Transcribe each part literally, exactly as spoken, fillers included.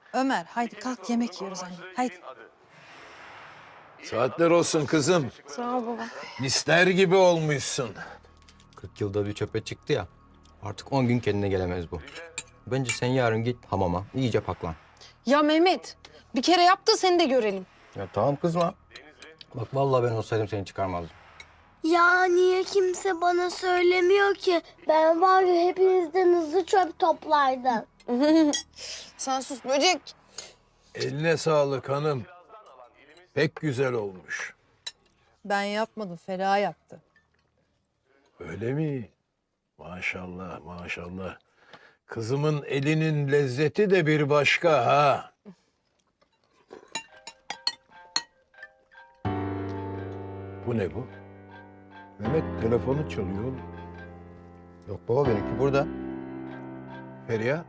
Ömer haydi kalk yemek yiyoruz anne. Haydi. Saatler olsun kızım. Sağ ol baba. Misler gibi olmuşsun. kırk yılda bir çöpe çıktı ya. Artık on gün kendine gelemez bu. Bence sen yarın git hamama. İyice paklan. Ya Mehmet, bir kere yap da seni de görelim. Ya tamam kızma. Bak vallahi ben olsaydım seni çıkarmazdım. Ya niye kimse bana söylemiyor ki? Ben var ya hepinizden hızlı çöp toplardım. Sen sus böcek. Eline sağlık hanım. Pek güzel olmuş. Ben yapmadım Feriha yaptı. Öyle mi? Maşallah, maşallah. Kızımın elinin lezzeti de bir başka ha. Bu ne bu? Mehmet telefonu çalıyor oğlum. Yok baba benimki burada. Feriha.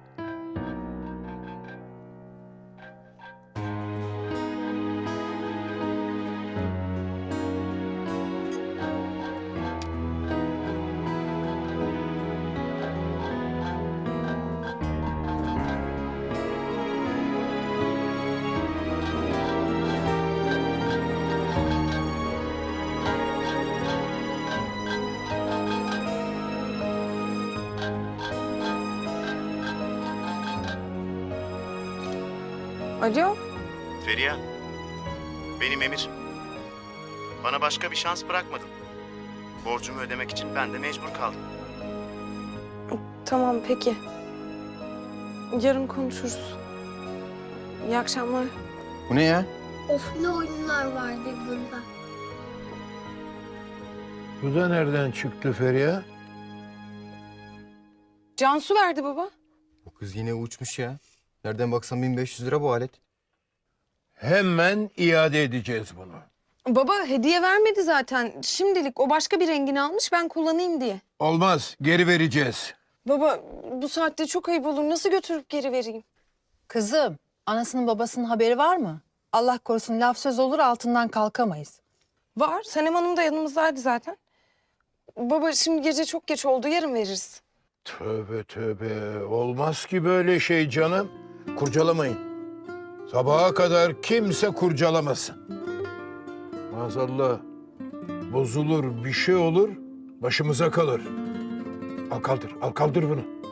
Alo. Feriha, benim Emir. Bana başka bir şans bırakmadın. Borcumu ödemek için ben de mecbur kaldım. Tamam peki. Yarın konuşuruz. İyi akşamlar. Bu ne ya? Of ne oyunlar vardı bunda. Bu da nereden çıktı Feriha? Cansu verdi baba. Bu kız yine uçmuş ya. Nereden baksan bin beş yüz lira bu alet. Hemen iade edeceğiz bunu. Baba hediye vermedi zaten. Şimdilik o başka bir rengini almış ben kullanayım diye. Olmaz, geri vereceğiz. Baba bu saatte çok ayıp olur. Nasıl götürüp geri vereyim? Kızım anasının babasının haberi var mı? Allah korusun laf söz olur altından kalkamayız. Var. Sanem Hanım da yanımızdaydı zaten. Baba şimdi gece çok geç oldu. Yarın veririz. Tövbe tövbe, olmaz ki böyle şey canım. Kurcalamayın. Sabaha kadar kimse kurcalamasın. Maazallah bozulur, bir şey olur, başımıza kalır. Al kaldır, al kaldır bunu.